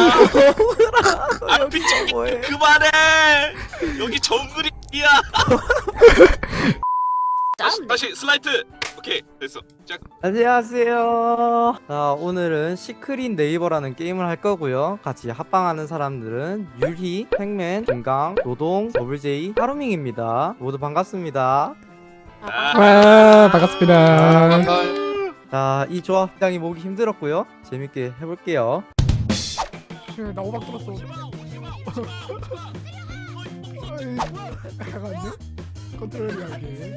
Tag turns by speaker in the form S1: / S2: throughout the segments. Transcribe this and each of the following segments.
S1: 아 미친
S2: 뭐해?
S1: 그만해. 여기 정글이야. 다시 슬라이드. 오케이 됐어. 자
S2: 안녕하세요. 자, 오늘은 시크릿 네이버라는 게임을 할 거고요. 같이 합방하는 사람들은 유리, 팩맨, 김강, 노동, 더블제이, 하루밍입니다. 모두 반갑습니다.
S3: 와 반갑습니다.
S2: 자, 이 조합 굉장히 모으기 힘들었고요. 재밌게 해볼게요.
S3: 나 오박 들었어. 잠깐만요. 컨트롤이 하게.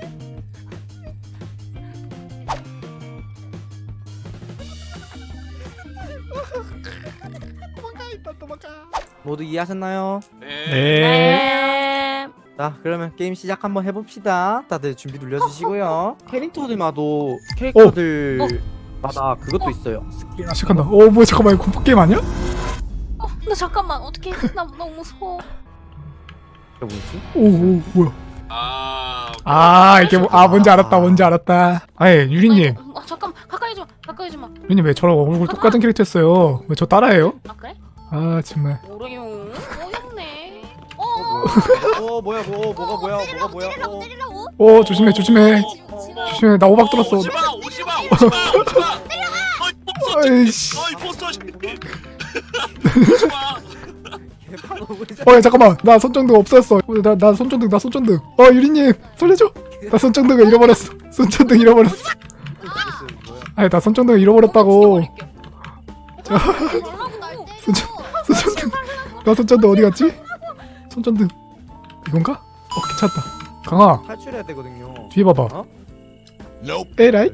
S3: 도망가 일단 도망가.
S2: 모두 이해하셨나요?
S1: 네.
S3: 네.
S2: 자, 그러면 게임 시작 한번 해봅시다. 다들 준비 눌러주시고요. 캐릭터들마도 캐릭터들마다 그것도 있어요.
S3: 아 시작한다. 뭐야 잠깐만 이거 공포 게임 아니야?
S4: 나 잠깐만 어떻게 나 너무 무서워.
S2: 이게 뭐지?
S3: 오 뭐야?
S1: 오케이.
S3: 이게 뭔지 알았다. 아예 유리님,
S4: 잠깐 가까이 좀 마.
S3: 유리님 왜 저랑 얼굴 똑같은 캐릭터 했어요? 왜 저 따라해요?
S4: 아 그래?
S3: 아 정말.
S4: 모르요. 어렵네.
S2: 뭐야? 뭐가 뭐야?
S3: 조심해. 나 오박 들었어.
S1: 오지마.
S3: 아이씨.
S1: 어이 포스터.
S3: 야 잠깐만 나 손전등 없었어. 나 손전등. 유리님 살려줘. 나 손전등을 잃어버렸어. 아니 나 손전등을 잃어버렸다고. 손전등. 나 손전등 어디 갔지? 손전등 이건가? 괜찮다. 강아
S2: 탈출해야 되거든요.
S3: 뒤에 봐봐.
S2: 어?
S3: 에라이?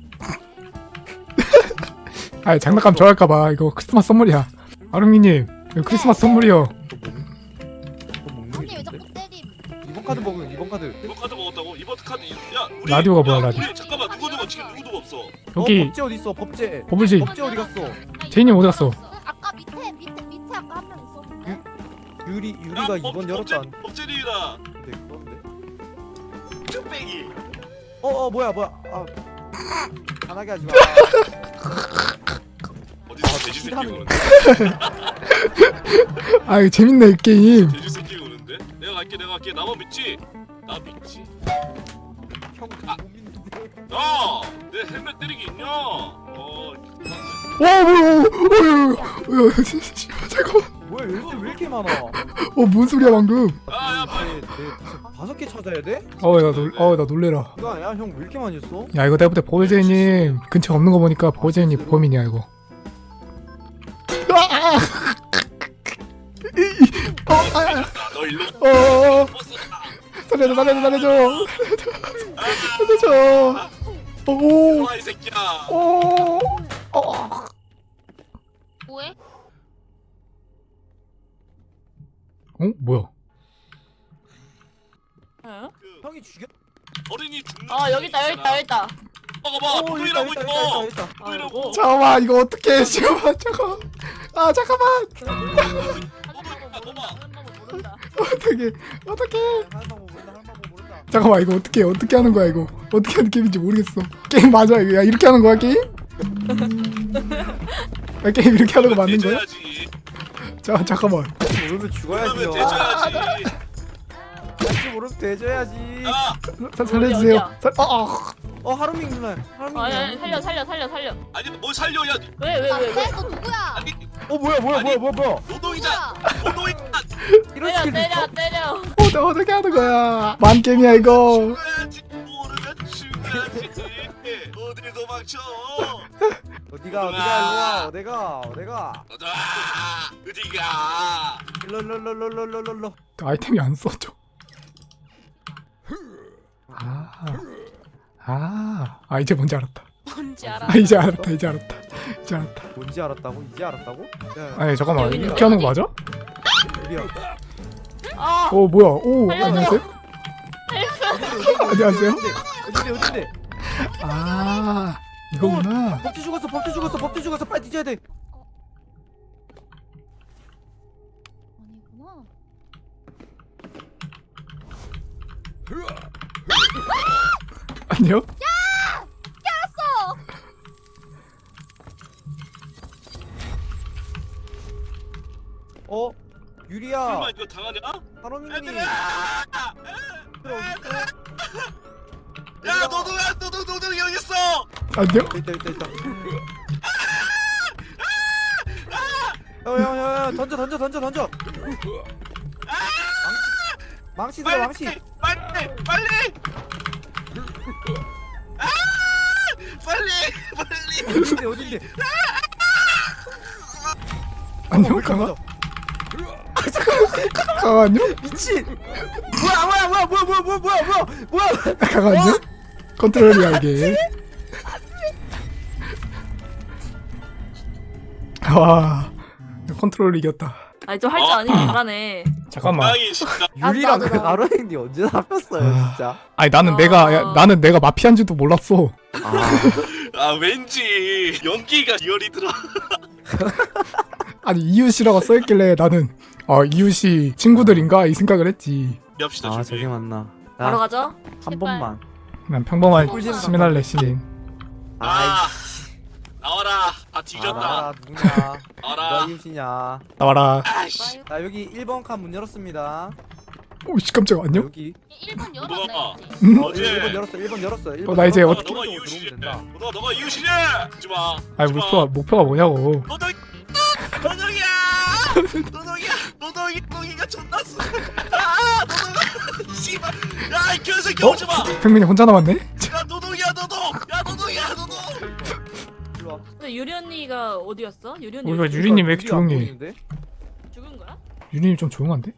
S3: 아니 장난감 좋아할까봐. 이거 크리스마스 선물이야. 아름이님 이거 크리스마스 선물이요.
S2: 언니 왜 자꾸 때림? 이번 카드 먹으면 이번 카드.
S1: 이번 카드 먹었다고? 이번 카드 야 우리
S3: 라디오가 뭐야,
S1: 야,
S3: 라디오.
S1: 우리 잠깐만 누구도 지금 누구도 없어.
S3: 여기
S2: 법제 어디 있어? 법제.
S3: 버블지
S2: 법제 어디 갔어?
S3: 제이님 어디 갔어?
S5: 아까 밑에 아까 한 명 있었는데.
S2: 유리가 이번 열었지 않?
S1: 법제리라.
S2: 그런데.
S1: 쭈빼기.
S2: 뭐야? 아, 편하게 하지 마.
S1: 어디서 돼지 새끼
S2: 하는
S1: 오는데?
S3: 아 이거 재밌네 이 게임.
S1: 돼지 새끼 오는데? 내가 갈게. 나만 믿지? 나 믿지?
S2: 형 고민인데.
S1: 야! 내 헬멧 때리기 있냐?
S3: 와 뭐야? 잠깐만.
S2: 뭐야 열쇠 왜 이렇게 많아?
S3: 뭔 소리야 방금?
S1: 야 빨리.
S2: 다섯 개 찾아야 돼?
S3: 나 놀래라.
S2: 이거 아니야? 형 왜 이렇게 많이 했어?
S3: 야 이거 내가 볼때 버블제이님 근처 없는 거 보니까 버블제이님 범인이야 이거.
S1: 너 일로
S3: 살려줘.
S1: 와 이 새끼야.
S4: 뭐해?
S3: 뭐야?
S4: 응?
S2: 형이 죽였.
S1: 어린이 죽는.
S4: 여기 있다.
S1: 봐봐. 누구이라고 있어.
S2: 있다.
S1: 누구이라고.
S3: 잠깐만 이거 어떻게? 잠깐만. 잠깐만.
S1: 봐봐.
S3: 어떻게?
S2: 할 방법 모른다.
S3: 잠깐만 이거 어떻게 하는 거야 이거? 어떻게 하는 게임인지 모르겠어. 게임 맞아 이거? 야 이렇게 하는 거야 게임? 게임 이렇게 하는 거 맞는 거야?
S1: 대줘야지.
S3: 잠깐만.
S2: 모르면 죽어야지요.
S1: 그러면 대줘야지.
S2: 같이 모르면 대줘야지.
S1: 야.
S3: 살려주세요.
S2: 하루밍 누나. 하루밍.
S4: 살려.
S1: 아니 뭘 살려 야.
S4: 왜?
S5: 너 누구야?
S1: 아니
S2: 뭐야?
S1: 노동이자.
S2: 이런
S4: 때려.
S2: 스킬도 있어?
S3: 어떻게 하는 거야? 만 게임이야 이거.
S1: 죽어야지. 모르면 죽어야지. 어딜 도망쳐.
S2: 어디가 일로 와. 어디가?
S1: 가자. 어디가.
S2: 일로.
S3: 아이템이 안 써져. 이제 뭔지 알았다.
S4: 뭔지 알아.
S3: 이제 알았다.
S2: 뭔지 알았다고? 이제 알았다고? 야,
S3: 아니 잠깐만
S4: 여기
S3: 이렇게 하는 거 맞아?
S2: 유리야.
S3: 뭐야?
S4: 살려줘.
S3: 안녕하세요.
S2: 어딘데?
S3: 이거구나.
S2: 법제 죽었어. 빨리 뒤져야 돼.
S3: 안녕?
S2: 어? 유리야.
S1: 설마 이거 당하냐?
S2: 하루민이.
S1: 얘들아!
S2: 어딨어?
S1: 야 노동이 여기 있어.
S3: 안녕?
S2: 있다. 야, 던져. 망치 들어, 망치.
S1: 빨리. 빨리.
S2: 어딘데?
S3: 안녕 강아? 강아 안녕?
S2: 미친. 뭐야?
S3: 강아 안녕? 컨트롤이야 이게. 와 컨트롤 이겼다.
S4: 아니 좀 할 줄 아니까 잘하네.
S3: 잠깐만.
S1: 고양이 진짜.
S2: 유리랑
S4: 나도.
S2: 가로행님 언제 잡혔어요, 진짜?
S3: 아니 나는 내가 마피아인지도 몰랐어.
S1: 아 왠지 연기가 리얼이 들어.
S3: 아니 이웃이라고 써있길래 나는 이웃이 친구들인가 이 생각을 했지.
S1: 엽시다
S2: 아,
S1: 준비.
S2: 저게 맞나?
S4: 바로 가죠.
S2: 한 번만.
S3: 난 평범한
S2: 꿀잼
S3: 시민할래 시민.
S1: 아 나와라. 다 뒤졌다.
S2: 아, 누구냐?
S1: 나와라.
S2: 누가 이웃이냐?
S3: 나와라.
S1: 아이씨.
S2: 자, 여기 1번 칸 문 열었습니다.
S3: 오씨 깜짝아 안녕?
S2: 여기.
S5: 1번
S1: 누가?
S5: 열었네.
S1: 어제.
S2: 1번 열었어.
S3: 나 이제
S2: 열었어.
S3: 어떻게-
S1: 너가
S2: 이쪽으로
S1: 이웃이지.
S2: 들어오면 된다.
S1: 너가 이웃이지. 하지 마.
S3: 아니 목표가 뭐냐고.
S1: 노동이가 존나 쎄. 아 노동아. 씨발. 야이 개새끼 오지 마.
S3: 팽민이 혼자 남았네?
S1: 야 노동이야 노동.
S2: 일로 와.
S4: 근데 유리 언니가 어디였어? 유리 언니
S3: 우리가
S4: 어디-
S3: 유리님 왜 이렇게
S2: 유리 안
S3: 조용해?
S2: 보이는데?
S4: 죽은 거야?
S3: 유리님 좀 조용한데?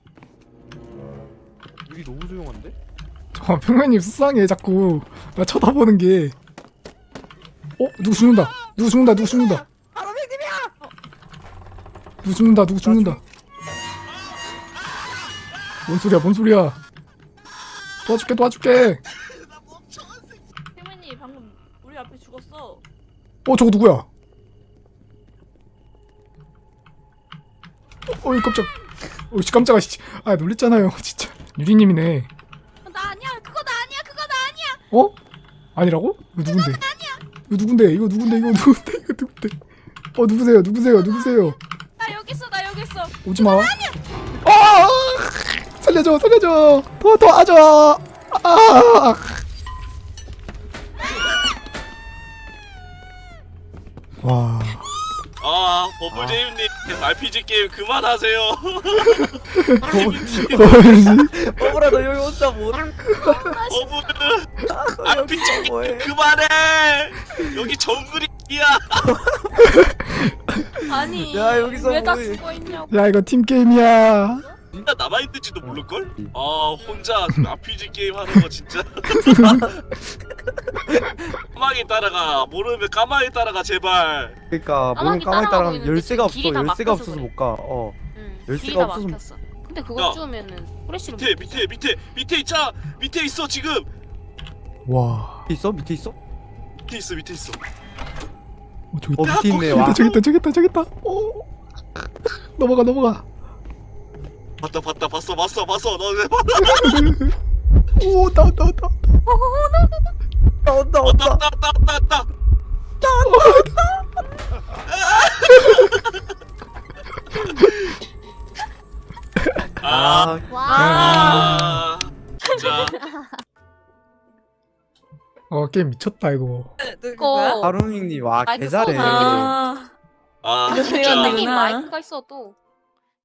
S2: 유리 너무 조용한데?
S3: 잠깐만 팽민님 수상해 자꾸 나 쳐다보는 게. 누구 죽는다. 누구 죽는다. 누구 죽는다. 뭔 소리야. 도와줄게.
S4: 태민이 방금 우리 앞에 죽었어.
S3: 저거 누구야? 어이 깜짝. 씨 깜짝아 씨. 아 놀랬잖아요 진짜. 유리님이네.
S5: 나 아니야. 그거 나 아니야.
S3: 아니라고? 이거 누군데? 이거 누군데? 누구세요?
S4: 나 여기 있어.
S3: 오지마. 살려줘. 도와줘. 와.
S1: 아 버블제이님 RPG 게임 그만하세요.
S2: 버블아, 너 여기 혼자 뭐?
S1: 버블
S2: 너 여기
S1: RPG
S2: 뭐해?
S1: 그만해. 여기 정글이야.
S4: 아니
S2: 야, 여기서
S4: 왜 다
S2: 뭐해?
S4: 죽어 있냐고.
S3: 야 이거 팀 게임이야.
S1: 진짜 남아있는지도 모를걸? 아 혼자 RPG 게임 하는 거 진짜. 까마귀 따라가. 모르면 까마귀 따라가 제발.
S2: 그러니까
S4: 까마귀
S2: 모르는 까마귀
S4: 따라가고
S2: 따라가면
S4: 있는데
S2: 열쇠가 없어.
S4: 길이 다
S2: 열쇠가
S4: 막혀서
S2: 없어서
S4: 그래.
S2: 못 가.
S4: 응.
S2: 열쇠가
S4: 길이 다
S2: 없어서
S4: 막혔어. 근데
S1: 야.
S4: 그거 주우면은 후레쉬로
S1: 밑에 있자. 밑에 있어 지금.
S3: 와.
S2: 밑에 있어?
S1: 밑에 있어.
S3: 저기 있다.
S2: 밑에 있네. 와.
S3: 저기 있다. 넘어가.
S1: 봤어. 너 왜 봐?
S3: 나온다.
S1: 왔다. 아,
S2: 아,
S5: 와.
S1: 진짜.
S3: 게임 미쳤다 이거.
S4: 누구야?
S2: 하루밍님 와
S4: 마이크
S2: 개잘해.
S4: 아
S1: 아,
S4: 이거
S1: 진짜.
S4: 생각나네.
S5: 선생님 마이크가 있어도